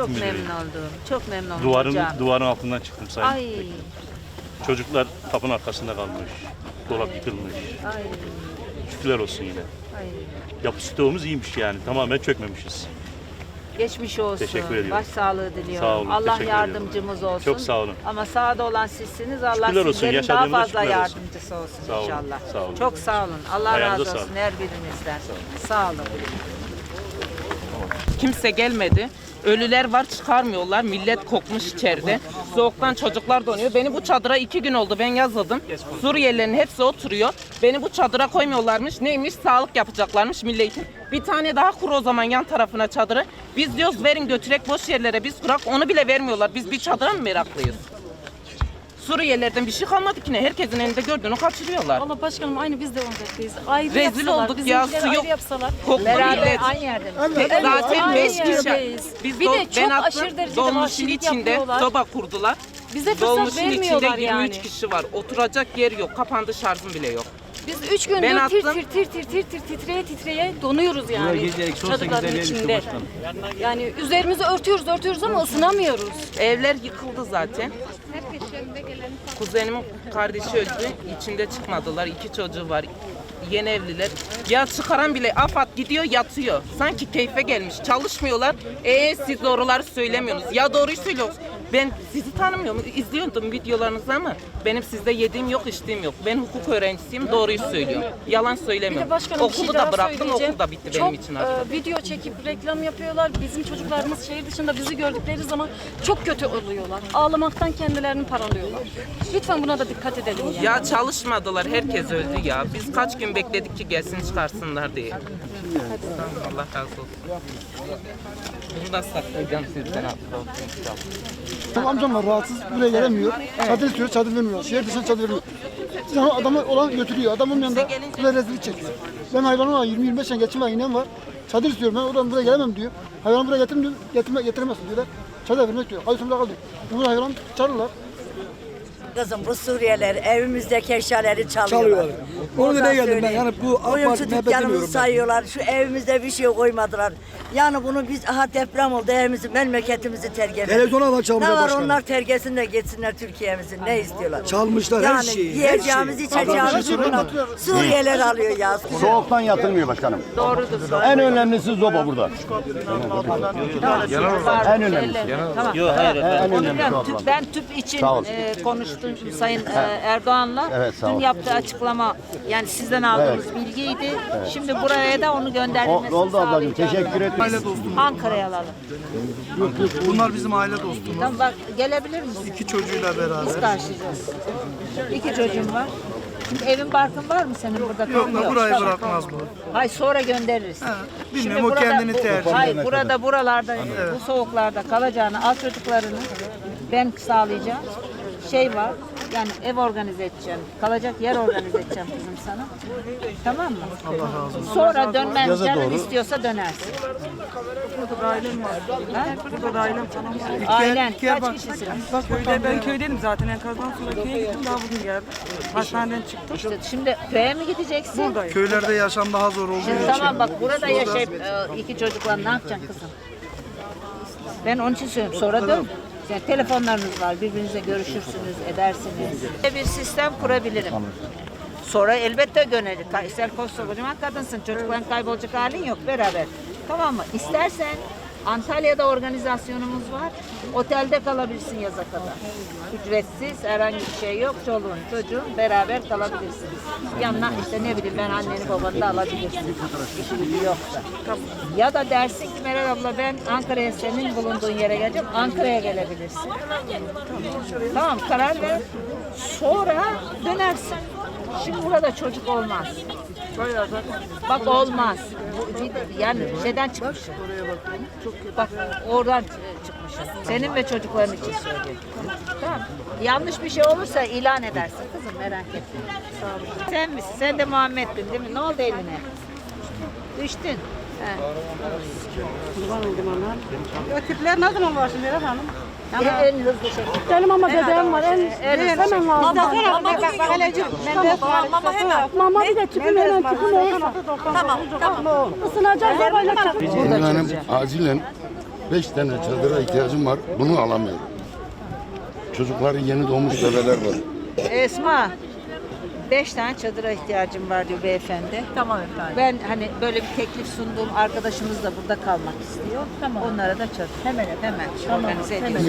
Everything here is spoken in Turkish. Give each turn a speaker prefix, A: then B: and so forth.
A: Eğitim
B: Çok
A: müdürüyüm.
B: memnun oldum. Çok memnun oldum hocam.
A: Duvarın altından çıktım sayın.
B: Ay,
A: Çocuklar kapının arkasında kalmış. Dolap yıkılmış.
B: ay,
A: Şükürler olsun yine.
B: ay.
A: Yapı stoğumuz iyiymiş yani. Tamamen çökmemişiz.
B: Geçmiş olsun.
A: Teşekkür ediyorum.
B: Başsağlığı diliyorum.
A: Sağ olun,
B: Allah
A: teşekkür
B: yardımcımız olsun.
A: Çok sağ olun.
B: Ama sağda olan sizsiniz. Allah
A: Şükürler olsun,
B: sizlerin daha
A: yaşadığımıza
B: fazla
A: şükürler olsun.
B: yardımcısı olsun
A: Sağ olun,
B: inşallah.
A: sağ olun.
B: Çok sağ olun. Allah
A: Ayağınıza
B: razı olsun
A: sağlık.
B: her birinizden. Sağ olun.
C: Kimse gelmedi. Ölüler var, çıkarmıyorlar. Millet kokmuş içeride. Soğuktan çocuklar donuyor. Beni bu çadıra 2 gün oldu. Ben yazıldım. Suriyelilerin hepsi oturuyor. Beni bu çadıra koymuyorlarmış. Neymiş? Sağlık yapacaklarmış milletin. Bir tane daha kur o zaman yan tarafına çadırı. Biz diyoruz verin götürek boş yerlere biz kurak. Onu bile vermiyorlar. Biz bir çadıra mı meraklıyız? Suriyelilerden bir şey kalmadı ki ne? Herkesin elinde gördüğünü kaçırıyorlar.
D: Valla başkanım aynı biz de ondayız. Ayrı
C: Rezil
D: yapsalar,
C: olduk ya,
D: bizimkileri
C: su yok.
D: ayrı yapsalar.
C: Koktu
B: Beraber
C: millet.
B: aynı yerde mi?
C: Zaten
D: aynı
C: 5 kişi.
D: yerdeyiz.
C: Biz
D: Bir de
C: ben
D: çok
C: attım,
D: aşırı derecede
C: dolmuşun
D: vahşilik
C: içinde
D: yapıyorlar.
C: soba kurdular.
D: Bize fırsat
C: Dolmuşun içinde
D: vermiyorlar
C: 23
D: yani.
C: kişi var. Oturacak yer yok. Kapandı, şarjım bile yok.
D: Biz 3 gündür
C: Ben
D: tir
C: attım.
D: titreye titreye donuyoruz yani. Çadırların içinde. Yani üzerimizi örtüyoruz ama ısınamıyoruz.
C: Evler yıkıldı zaten. Kuzenimin kardeşi öldü. İçinde çıkmadılar. 2 çocuğu var. Yeni evliler. Ya çıkaran bile AFAD gidiyor yatıyor. Sanki keyfe gelmiş. Çalışmıyorlar. Siz doğruları söylemiyorsunuz. Ya doğruyu söylüyorsunuz. Ben sizi tanımıyorum. İzliyordum videolarınızı ama benim sizde yediğim yok, içtiğim yok. Ben hukuk öğrencisiyim. Doğruyu söylüyorum. Yalan
D: Bir
C: söylemiyorum.
D: de başkanım bir şey
C: Okulu
D: daha
C: da bıraktım.
D: söyleyeceğim.
C: Okul da bitti
D: Çok,
C: benim için artık.
D: video çekip reklam yapıyorlar. Bizim çocuklarımız şehir dışında bizi gördükleri zaman çok kötü oluyorlar. Ağlamaktan kendilerini paralıyorlar. Lütfen buna da dikkat edelim yani.
C: Ya çalışmadılar. Herkes öldü ya. Biz kaç gün bekledik ki gelsin çıkarsınlar diye. Tamam, Allah razı olsun. Bunu da saklayacağım sizden.
E: Benim amcam var rahatsız, buraya gelemiyor. Çadır istiyor, çadır vermiyor. Şehir dışına çadır vermiyor. Sonra adamı olan götürüyor. Adamın yanında buraya rezillik çekiyor. Ben hayvanım var, 20-25 tane geçim var, inem var. Çadır istiyorum ben, oradan buraya gelemem diyor. Hayvanı buraya getirin diyor, getiremezsin diyorlar. Çadır vermek diyor. Kayısımda kaldı. Bunu hayvan çağırırlar.
F: Kızım bu Suriyeliler evimizdeki eşyaları çalıyorlar.
G: Onu demeye geldim ben.
F: söyleyeyim.
G: Yani bu AK
F: Oyuncu
G: Parti muhabbet
F: dükkanımızı
G: demiyorum ben.
F: sayıyorlar. Şu evimizde bir şey koymadılar. Yani bunu biz deprem oldu evimizi, memleketimizi terk edelim.
G: Televizyona da çalmışlar
F: Ne var
G: başkanım.
F: onlar terk etsin de geçsinler Türkiye'mizi. Ne istiyorlar?
G: Çalmışlar her şeyi, her
F: Yiyeceğimiz,
G: şeyi.
F: içeceğimiz bunu Suriyeliler alıyor ya.
H: Soğuktan yatılmıyor başkanım.
B: Doğrudur.
H: En önemlisi zoba burada. En önemlisi.
B: Tamam.
A: Yok hayır efendim.
B: Onu biliyorum. Ben tüp için
H: Sağ olun.
B: konuştum Sayın Erdoğan'la.
H: Evet, sağ
B: Dün
H: olun.
B: yaptığı açıklama yani sizden aldığımız bilgiydi. Şimdi buraya da onu göndermesini
H: Oldu ablacığım.
B: sağlayacağım.
H: Teşekkür ederim.
B: Ankara'ya alalım.
G: Bunlar bizim aile dostumuz.
B: Tamam bak gelebilir misin?
G: 2 çocuğuyla beraber.
B: Biz karşılayacağız. 2 çocuğun var. Şimdi evin barkın var mı senin burada?
G: Yok da burayı
B: Tamam.
G: bırakmaz bu.
B: Hayır sonra göndeririz.
G: bilmiyorum, o kendini tercih
B: Hayır buralarda bu soğuklarda kalacağını al çocuklarını ben sağlayacağım. Şey var yani ev organize edeceğim. Kalacak yer organize edeceğim kızım sana. Tamam mı? Allah razı olsun. Sonra dönmen canın istiyorsa dönersin.
I: Burada da ailem var.
B: Ha?
I: Burada da ailem falan var.
B: Ailen kaç kişisiniz?
I: Köyde ben köydeydim zaten enkazdan sonra köye gittim daha bugün geldim. Hastaneden çıktım.
B: İşte şimdi köye mi gideceksin?
I: Buradayım.
G: Köylerde yaşam daha zor olduğu
B: Şimdi
G: için.
B: tamam bak burada yaşayıp 2 çocukla ne yapacaksın kızım? Ben onun için söylüyorum. Sonra dön. Yani telefonlarınız var. Birbirinizle görüşürsünüz, edersiniz. Bir sistem kurabilirim. Sonra elbette döneriz. Sen koskocaman kadınsın. Çocukların kaybolacak halin yok. Beraber. Tamam mı? İstersen Antalya'da organizasyonumuz var. Otelde kalabilirsin yaza kadar. Ücretsiz, herhangi bir şey yok. Çoluğun, çocuğun beraber kalabilirsiniz. Yanına işte ne bileyim ben anneni babanı da alabilirsin. İşi gücü yoksa. Ya da dersin ki Meral abla ben Ankara'ya senin bulunduğun yere geleceğim. Ankara'ya gelebilirsin. Tamam karar ver. Sonra dönersin. Şimdi burada çocuk olmaz. Bak olmaz. Yani şeyden çıkmışım. Bak oradan çıkmışım. Senin ve çocukların için söylüyorum. Tamam. Yanlış bir şey olursa ilan edersin kızım merak etme. Sen misin? Sen de Muhammed'din değil mi? Ne oldu eline? Düştün. He.
I: Kurban oldum ona. O tipler ne zaman başlıyor Meral Hanım?
B: En hızlı şekilde.
D: Benim ama dedem var. Hemen lazım.
I: Mama hemen.
D: Mama bir de tüpüm hemen tüpüm olursa.
I: Tamam.
D: Isınacak arabayla çıkıp.
H: Benim acilen
J: 5 tane çadıra ihtiyacım var. Bunu alamıyorum. Çocukların yeni doğmuş bebeler var.
B: Esma, 5 tane çadıra ihtiyacım var diyor beyefendi.
K: Tamam efendim.
B: Ben hani böyle bir teklif sunduğum arkadaşımız da burada kalmak istiyor.
K: Tamam.
B: Onlara da çadır.
K: Hemen
B: Hemen
K: Tamam,
B: organize
K: hemen.
B: ediyoruz.